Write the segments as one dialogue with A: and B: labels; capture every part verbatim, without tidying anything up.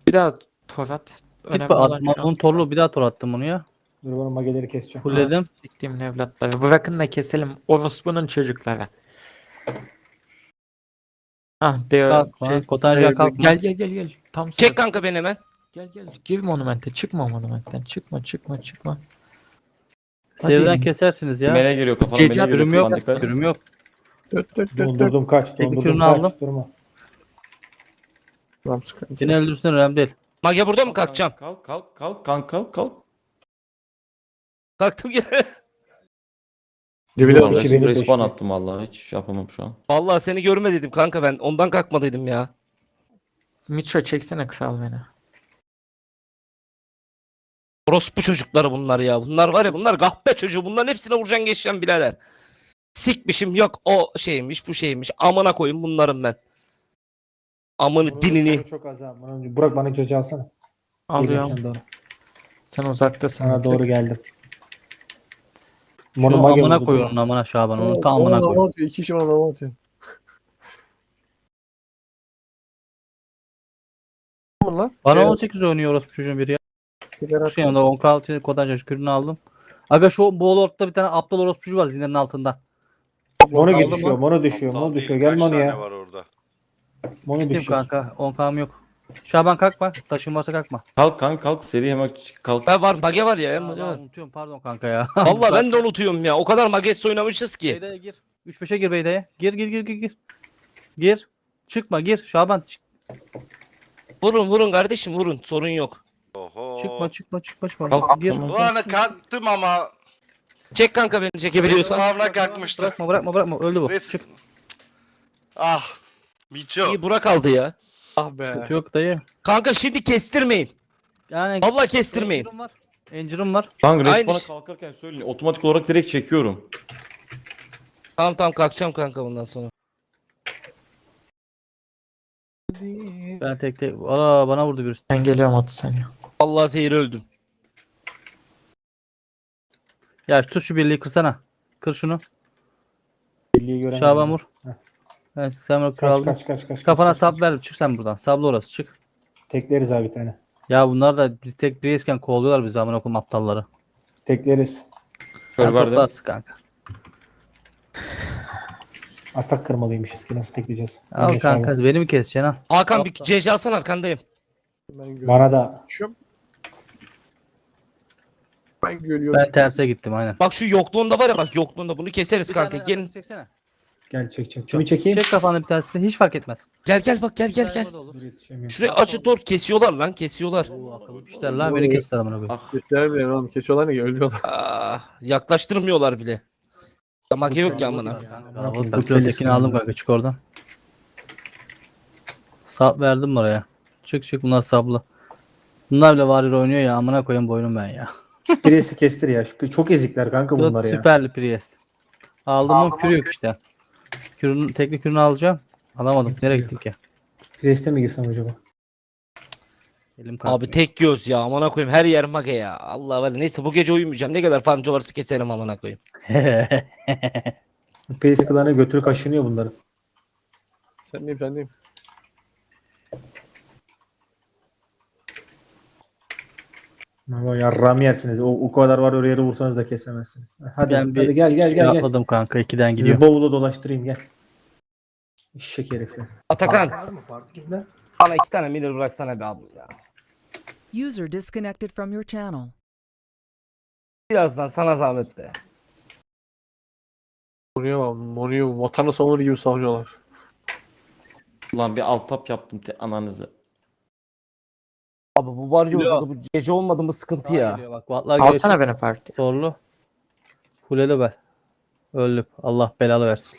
A: Bir daha tor at.
B: Git
A: Önemli
B: bak
A: olan
B: atma.
A: şu an.
B: Onun torlu bir daha tor attım bunu ya.
C: Dur bana mageleri keseceğim.
B: Fulledim.
A: Ah, siktiğimin evlatları. Bırakın da keselim. Orospu'nun çocukları. Ah diyor.
B: Kalkma, Kotanjan kalkma.
A: Gel gel gel gel. Tam
D: Çek
A: sırası.
D: kanka beni hemen.
A: Gel gel. Gir monumente. Çıkma monumentten. Çıkma çıkma çıkma.
B: Seriden
A: Hadi.
B: kesersiniz ya.
E: Mele geliyor kafana,
A: Cece
E: mele geliyor
B: Kürüm yok.
E: kafana, dikkat.
B: Kürüm yok.
F: Dört dört dört dört.
C: Dondurdum kaç.
B: Tek
C: Dondurdum
B: kürünü
C: kaç.
B: aldım.
C: Durma.
F: Tamam sıkıntı.
B: Yine öldürsün önemli değil.
D: Mage burada mı kalkacağım?
E: Kalk kalk kalk kalk kalk kalk.
D: Kalktım gene.
F: Dibine
C: Yok,
F: vur.
C: iki beni
E: Respawn
C: peşti.
E: attım vallahi, hiç yapamam şu an.
D: Vallahi seni görmediydim kanka ben. Ondan kalkmadıydım ya.
A: Mitro çeksene kral beni.
D: Orospu çocukları bunlar ya. Bunlar var ya, bunlar kahpe çocuğu. Bunların hepsine vuracaksın geçeceksin birader. Sikmişim, yok o şeymiş bu şeymiş. Amına koyayım bunların ben. Amını
C: Bunun
D: dinini.
C: canı çok az ha. Bana- Burak bana cacı alsana.
A: Alıyorum.
C: Geliyorum sana doğru.
A: Sen uzaktasın.
C: Sana
A: bir tek.
C: doğru geldim.
B: Şunu
C: Mono mage
B: amına
C: vurdu.
B: koyuyorum amına Şaban. Onu
F: Oo,
B: tam amına
F: bana
B: koy.
F: lava atıyor. İki kişi bana lava atıyor. Tamam lan.
B: Bana
F: Evet.
B: on sekiz oynuyor orası çocuğun biri ya.
F: Sigara
B: Şu yanında on altı Kotanjan kürünü aldım. Aga şu bu ortada bir tane aptal orospucu var zinlerin altında.
C: Mono
B: Aldım
C: düşüyor.
B: mı?
C: Mono düşüyor.
G: Aptal
C: Mono
G: değil,
C: düşüyor. Gel
G: kaç
C: Mono
G: tane
C: ya.
G: var orada?
C: Mono
B: Gittim
C: düşüyor.
B: kanka. on kam yok. Şaban kalkma. Taşın varsa kalkma.
E: Kalk kanka kalk, seri hemen çık, kalk.
D: Ben var, mage var ya.
B: Ya,
D: mage
B: ya,
D: var.
B: unutuyorum pardon kanka ya.
D: Vallahi ben de unutuyorum ya. O kadar Mages oynamışız ki.
B: Beyda'ya gir. üç beşe gir Beyda'ya. Gir gir gir gir gir. Gir. Çıkma gir. Şaban çık.
D: Vurun vurun kardeşim vurun. Sorun yok.
G: Oho.
B: Çıkma çıkma çıkma çıkma.
E: Kalk,
B: Gir.
E: tamam.
G: Bu ana kalktım ama
D: Çek kanka beni çekebiliyorsan.
G: sağına kalkmıştı.
B: Bırakma bırakma bırakma. Öldü bu.
G: Res-
B: Çık.
G: Ah. Miço.
D: İyi Burak aldı ya.
F: Ah be.
B: Sıkıntı yok dayı.
D: Kanka şimdi kestirmeyin.
B: Yani
D: Vallahi kestirmeyin.
B: Engine'ım var. Engine'ım var.
E: Kanka
D: Aynı
E: respawn'a
D: şey.
E: kalkarken söyleyin. Otomatik olarak direkt çekiyorum.
D: Tamam tamam kalkacağım kanka bundan sonra.
B: Ben tek tek. Aa bana vurdu birisi.
A: Ben geliyorum otuz saniye.
D: Vallahi zehir öldüm.
B: Ya tut şu birliği kırsana. Kır şunu.
C: Birliği göremedim.
B: Şaban vur.
C: Heh.
B: Ben sen
C: Kaç
B: kraldım.
C: kaç kaç kaç.
B: Kafana
C: kaç,
B: sap
C: kaç.
B: ver. Çık sen buradan. Sablı orası çık.
C: Tekleriz abi bir tane.
B: Ya bunlar da biz tek bireysken kovalıyorlar bizi amına koyayım aptalları.
C: Tekleriz.
B: Sen
E: Şöyle verdim.
B: toplarsın kanka.
C: Atak kırmalıymışız ki nasıl tekleyeceğiz?
B: Al
C: Yine
B: kanka
C: Şaban.
B: beni mi keseceksin ha?
D: Hakan bir C C alsana arkandayım.
F: Ben görüyorum.
C: Bana da
F: Ben görüyorum.
B: Ben terse gittim aynen.
D: Bak şu yokluğunda var ya, bak yokluğunda bunu keseriz
B: Bir
D: kanka.
B: tane
D: Gelin.
B: çeksene.
C: gel çek çek. Kimi çekeyim?
B: Çek kafanı bir tanesini hiç fark etmez.
D: Gel gel bak gel gel gel.
B: Sayma da olur.
C: Dur, yetişemiyorum.
D: Şuraya açı tor kesiyorlar lan kesiyorlar.
B: Oo, akıllı pişler lan beni kestiler amına koyayım.
E: Ah.
F: Göstermiyor oğlum. Kesiyorlar ne? Ölüyorlar.
D: Aa, yaklaştırmıyorlar bile. Mage yok ki amına.
B: Bu ötekini aldım kanka çık oradan. Sap verdim oraya. Çık çık bunlar sablı. Bunlar bile Warrior oynuyor ya amına koyayım boynum ben ya.
C: Priest'i kestir ya. Şu- Çok ezikler kanka bunlar ya.
B: Süperli Priest. Aldım mı kürü yok işte. Kürünün tekli kürünü alacağım. Alamadım. Nereye gittik ya?
C: Priest'e mi girsem acaba?
B: Elim kalktı.
D: Abi tek göz ya amına koyayım, her yer mage ya. Allah var, neyse bu gece uyumayacağım. Ne kadar farmcı varsa keserim amına koyayım.
C: Priest klanı götürü kaşınıyor bunların.
F: Sen diyeyim sen diyeyim.
C: Ama yarram yersiniz. O, o kadar var oraya vursanız da kesemezsiniz. Hadi,
B: Ben bir
C: hadi gel gel
B: şey
C: gel gel.
B: atladım kanka ikiden
C: Sizi
B: gidiyor.
C: bavula dolaştırayım gel. Eşek herifler.
D: Atakan
C: Var mı partide?
D: bana iki tane miner bıraksana be abi ya.
H: User disconnected from your channel.
D: Birazdan sana zahmet be.
F: Monu'ya bak. Monu'yu vatanı savunur gibi savunuyorlar.
E: Lan bir alt tap yaptım te ananızı.
D: Abi bu var ya
F: Ya.
D: orada, bu gece olmadı mı sıkıntı
B: Daha
D: ya.
B: geliyor Bak vatlar geliyor.
A: Alsana beni parti.
B: Zorlu. Kuleli be. Öldüm. Allah belalı versin.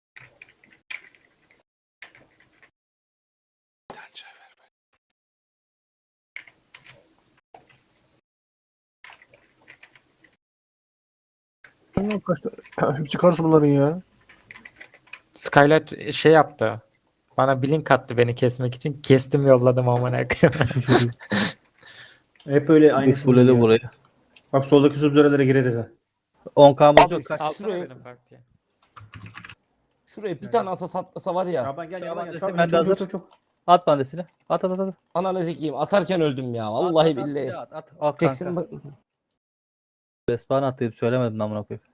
F: Ne kaç tane? Hepsi karşı bunların ya.
A: Skylight şey yaptı. Bana blink attı beni kesmek için. Kestim yolladım amına koyayım.
C: Hep öyle
B: Bir
C: aynısını
B: kuleli
C: diyor.
B: burayı.
C: Bak soldaki subzörelere gireriz ha.
B: on kamız
D: Abi,
B: yok. Kaç.
D: Alsana
A: Alsana
D: benim
A: benim partiye.
D: Şuraya bir tane asas atlasa var ya.
C: Şaban gel
B: Şaban
C: Şaban gel.
B: dese
C: Şaban
B: ben de
C: çok,
B: hazır.
C: çok, çok, çok.
B: At bandesini. At at at at.
D: Ananı zikiyim. Atarken öldüm ya. Vallahi
B: At, at,
D: billahi.
B: At at. Al
D: Jackson
B: kanka.
D: bak.
B: Respawn atlayıp söylemedin amına koyayım.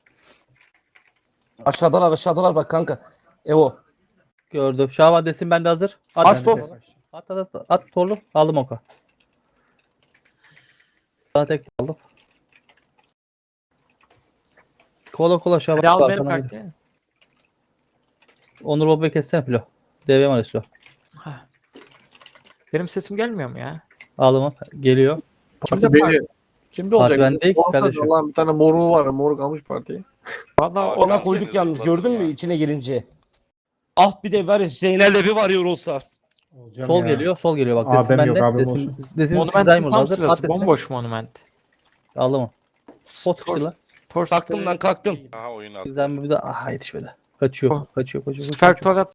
D: Aşağıdalar aşağıdalar bak kanka. Evo.
B: Gördüm. Şaban desin bende hazır. At,
D: Aç top.
B: At at at. At torlu. Aldım oka. Daha tek aldım. Kola kola Şaban.
A: Hadi al beni
B: Arkana gir.
A: partiye.
B: Onur Baba'yı kessene Flo. D V var Flo.
A: Benim sesim gelmiyor mu ya?
B: Aldım o. Geliyor.
A: Kimde
F: Parti
A: parti?
F: beni. Kimde olacak?
B: bende değil ki
F: Ortada
B: kardeşim.
F: Lan bir tane moru var. Moruk almış partiyi.
A: Valla
D: Ona
A: o
D: koyduk yalnız gördün mü içine girince. Ah bir de var ya Zeynel'le bir varıyor olsa.
C: Olacağım
B: Sol
C: ya.
B: geliyor. Sol geliyor bak.
C: Abim
B: Desin
C: yok,
B: bende.
C: abim
B: Desin,
C: olsun.
B: desin
A: Monument'in
B: Zaymer
A: tam
B: hazır. At
A: sırası.
B: desini.
A: Bomboş monument.
B: Aldım o. Pot sıçtı lan.
A: Tors
D: Kalktım lan kalktım.
G: Aha oyun attı.
B: Zaymer bir de aha yetişmedi. Kaçıyor.
A: Oh.
B: Kaçıyor kaçıyor. kaçıyor.
A: Süper Torat